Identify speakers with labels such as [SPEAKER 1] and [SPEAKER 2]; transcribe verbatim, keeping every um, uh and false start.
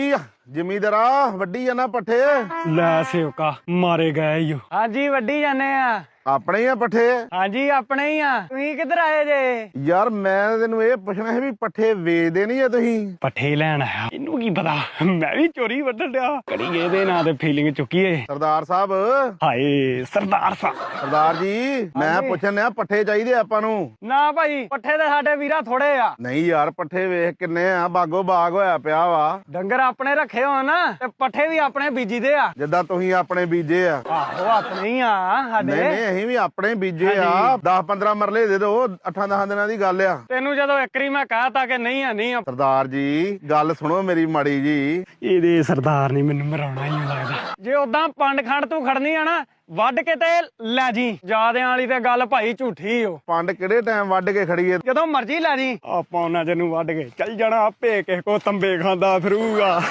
[SPEAKER 1] ਹਾਂਜੀ ਜ਼ਿਮੀਂਦਾਰਾ ਵੱਢੀ ਜਾਣਾ ਪੱਠੇ।
[SPEAKER 2] ਲੈ ਸੇਵਕਾ ਮਾਰੇ ਗਏ ਈ ਓ। ਹਾਂਜੀ ਵੱਢੀ ਜਾਂਦੇ ਆ।
[SPEAKER 1] ਆਪਣੇ ਹੀ ਆ ਪੱਠੇ?
[SPEAKER 2] ਹਾਂਜੀ ਆਪਣੇ ਹੀ ਆ। ਤੁਸੀਂ ਕਿੱਧਰ ਆਏ ਜੇ?
[SPEAKER 1] ਯਾਰ ਮੈਂ ਤੈਨੂੰ ਇਹ ਪੁੱਛਣਾ ਸੀ ਵੀ ਪੱਠੇ ਵੇਚਦੇ ਨਹੀਂ ਆ ਤੁਸੀਂ?
[SPEAKER 2] ਪੱਠੇ ਲੈਣ ਆਇਆ। ਇਹਨੂੰ ਕੀ ਪਤਾ ਮੈਂ ਵੀ ਚੋਰੀ ਵੱਢਣ ਡਿਆ। ਕੜੀ ਇਹਦੇ ਨਾਂ ਤੇ ਫੀਲਿੰਗ ਚੁੱਕੀਏ।
[SPEAKER 1] ਸਰਦਾਰ ਸਾਹਿਬ।
[SPEAKER 2] ਹਾਏ ਸਰਦਾਰ ਸਾਹਿਬ।
[SPEAKER 1] ਸਰਦਾਰ ਜੀ ਮੈਂ ਪੁੱਛਣ ਆ ਪੱਠੇ ਚਾਹੀਦੇ ਆਪਾਂ ਨੂੰ?
[SPEAKER 2] ਨਾ ਭਾਈ ਪੱਠੇ ਤੇ ਸਾਡੇ ਵੀਰਾ ਥੋੜੇ ਆ।
[SPEAKER 1] ਨਹੀਂ ਯਾਰ ਪੱਠੇ ਵੇਖ ਕਿੰਨੇ ਆ, ਬਾਗੋ ਬਾਗ ਹੋਇਆ ਪਿਆ ਵਾ।
[SPEAKER 2] ਡੰਗਰ ਆਪਣੇ ਰੱਖੇ ਹੋਣ ਨਾ ਤੇ ਪੱਠੇ ਵੀ ਆਪਣੇ ਬੀਜੀ ਦੇ ਆ।
[SPEAKER 1] ਜਿੱਦਾਂ ਤੁਸੀਂ ਆਪਣੇ ਬੀਜੇ ਆ।
[SPEAKER 2] ਆਹੋ ਆਪਣੇ ਹੀ ਆ ਸਾਡੇ।
[SPEAKER 1] ਨਹੀਂ ਨਹੀਂ ਅਸੀਂ ਵੀ ਆਪਣੇ ਬੀਜੇ ਆ। ਦਸ ਪੰਦਰਾਂ ਮਰਲੇ ਦੇ ਦੋ, ਅੱਠਾਂ ਦਸਾਂ ਦਿਨਾਂ ਦੀ ਗੱਲ ਆ।
[SPEAKER 2] ਤੈਨੂੰ ਜਦੋਂ ਇੱਕਰੀ ਮੈਂ ਕਹਤਾ ਕਿ ਨਹੀਂ ਆ ਨਹੀਂ ਆ।
[SPEAKER 1] ਸਰਦਾਰ ਜੀ ਗੱਲ ਸੁਣੋ ਮੇਰੀ ਮਾੜੀ ਜੀ।
[SPEAKER 2] ਇਹਦੇ ਸਰਦਾਰ ਨੇ ਮੈਨੂੰ ਮਰਾਉਣਾ ਹੀ ਲੱਗਦਾ। ਜੇ ਉਦਾਂ ਪੰਡ ਖੰਡ ਤੂੰ ਖੜਨੀ ਆ ਨਾ ਵੱਢ ਕੇ ਤੇ ਲੈ ਜੀ। ਜਾਦਿਆਂ ਵਾਲੀ ਤੇ ਗੱਲ ਭਾਈ ਝੂਠੀ ਓ।
[SPEAKER 1] ਪੰਡ ਕਿਹੜੇ ਟਾਈਮ ਵੱਢ ਕੇ ਖੜੀਏ?
[SPEAKER 2] ਜਦੋਂ ਮਰਜ਼ੀ ਲੈ ਜੀ। ਆਪਾਂ ਉਹਨਾਂ ਚ ਨੂੰ ਵੱਢ ਕੇ ਚੱਲ ਜਾਣਾ, ਆਪੇ ਕਿਸੇ ਕੋ ਤੰਬੇ ਖਾਂਦਾ ਫਿਰੂਗਾ।